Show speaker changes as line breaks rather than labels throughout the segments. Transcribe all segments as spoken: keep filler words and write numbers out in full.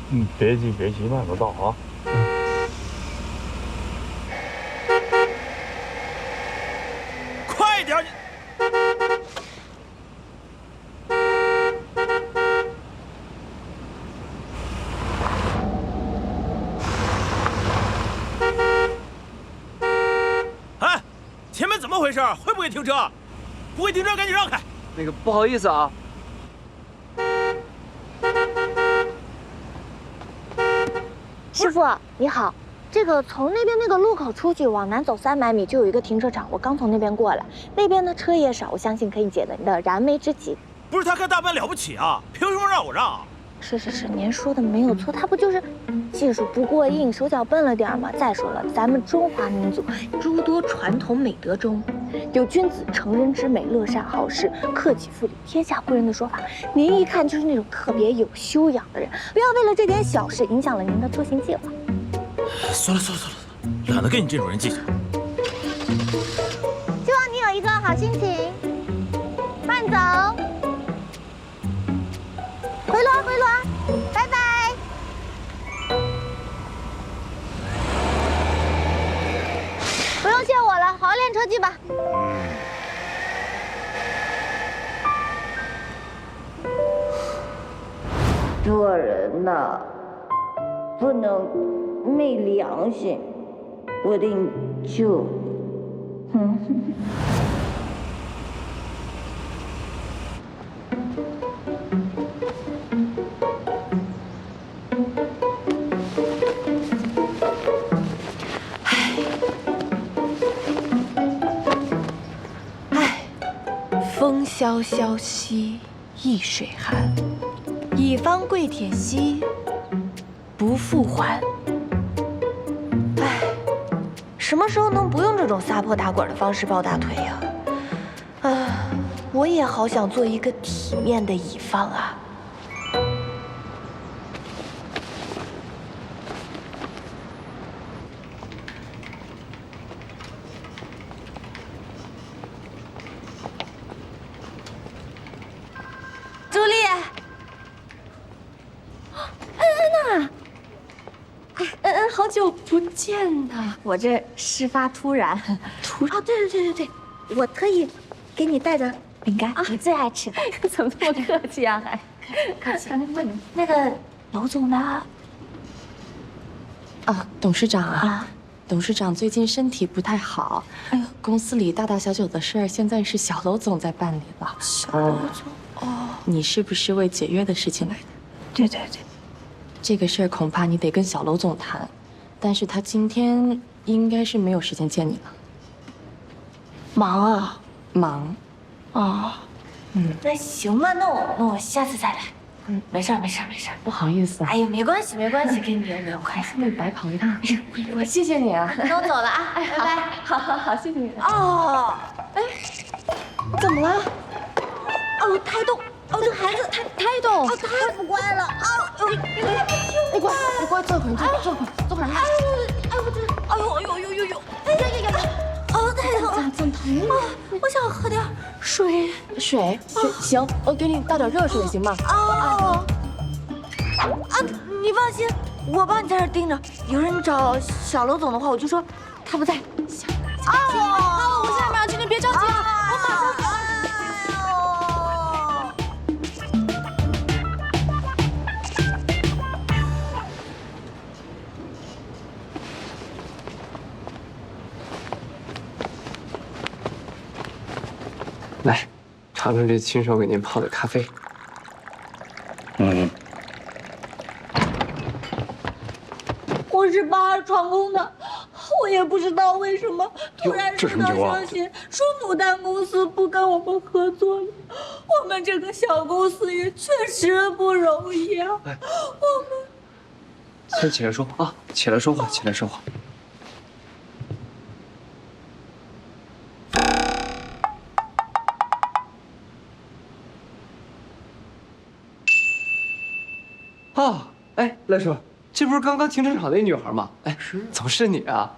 嗯，别急别急，慢慢到啊。
快点！哎，前面怎么回事？会不会停车？不会停车，赶紧让开！
那个不好意思啊。
师傅你好，这个从那边那个路口出去，往南走三百米就有一个停车场，我刚从那边过来，那边的车也少，我相信可以解您的燃眉之急。
不是他开大奔了不起啊？凭什么让我让？
是是是，您说的没有错，他不就是技术不过硬，手脚笨了点吗？再说了，咱们中华民族诸多传统美德中，有君子成人之美，乐善好施，克己复礼，天下贵人的说法。您一看就是那种特别有修养的人，不要为了这点小事影响了您的出行计划。
算了算了算了，懒得跟你这种人计较。
希望你有一个好心情，慢走。回轮回轮，拜拜。不用谢我了，好好练车技吧。
做人呐，不能没良心，我得救你。哼。
风萧萧兮易水寒，乙方贵铁兮不复还。哎，什么时候能不用这种撒泼打滚的方式抱大腿呀？啊，我也好想做一个体面的乙方啊。朱莉，安娜，嗯嗯，好久不见呐！
我这事发突然，
突
哦，对对对对对，我特意给你带着饼干，你最爱吃的。
怎么这么客气啊？还
客气。那个娄总呢？
啊，董事长啊，啊董事长最近身体不太好，哎呦，公司里大大小小的事儿，现在是小娄总在办理了。
小娄总。
哦，你是不是为解约的事情来的？
对对对，
这个事儿恐怕你得跟小娄总谈，但是他今天应该是没有时间见你了。
忙啊，
忙。
哦，
嗯，
那行吧，那我那我下次再来。嗯，没事没事没事，
不好意思啊。
哎呀，没关系没关系，跟你又没有关系，
为白跑一趟。我谢谢你啊，
那我走了啊，拜拜。
好好好，谢谢你。
哦，
哎，怎么了？
哦，胎动，哦，这孩子胎胎动，哦，太不乖了，哦，你你
你乖，你乖，坐会儿，你坐坐会儿，坐会儿。
哎呦，哎我这，哎呦哎呦呦呦呦，哎呀呀呀，哦，太疼了，
怎么疼
啊？我想喝点水，
水，水行，我给你倒点热水行吗？
哦，啊，你放心，我帮你在这盯着，有人找小娄总的话，我就说他不在。
行，哦，好，我现在马上去，你别着急啊，我马上走。
来，尝尝这亲手给您泡的咖啡。
嗯，
我是八二创工的，我也不知道为什么突然收到消息说牡丹公司不跟我们合作了。我们这个小公司也确实不容易啊。哎，我们
先起来说啊，起来说话，起来说话。哦，哎，赖叔，这不是刚刚停车场那女孩吗？哎，是，怎么是你啊？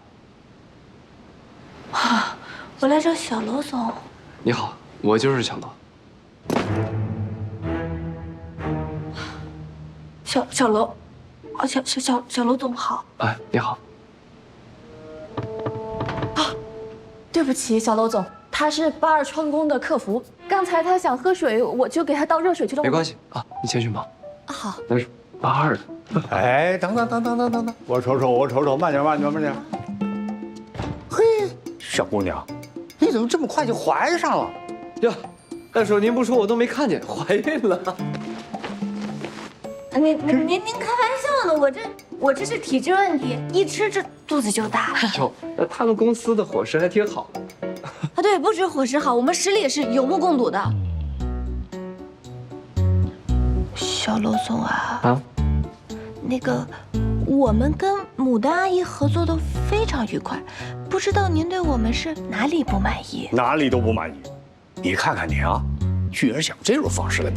啊，我来找小娄总。
你好，我就是小娄。
小小娄，
哦，小小小小罗总好。
哎，你好。
对不起，小罗总，他是八二川宫的客服。刚才他想喝水，我就给他倒热水去了。
没关系啊，你先去忙。
好。
那是八二的。
哎，等等等等等等等，我瞅瞅，我瞅瞅，慢点慢点慢点。嘿，小姑娘，你怎么这么快就怀上了？
哟，大叔，您不说我都没看见，怀孕了。
您您您您开玩笑呢？我这我这是体质问题，一吃这肚子就大。
哟，那他们公司的伙食还挺好的。
啊，对，不止伙食好，我们实力也是有目共睹的。
小罗总啊，
啊，
那个，我们跟牡丹阿姨合作都非常愉快，不知道您对我们是哪里不满意？
哪里都不满意。你看看你啊，居然想这种方式来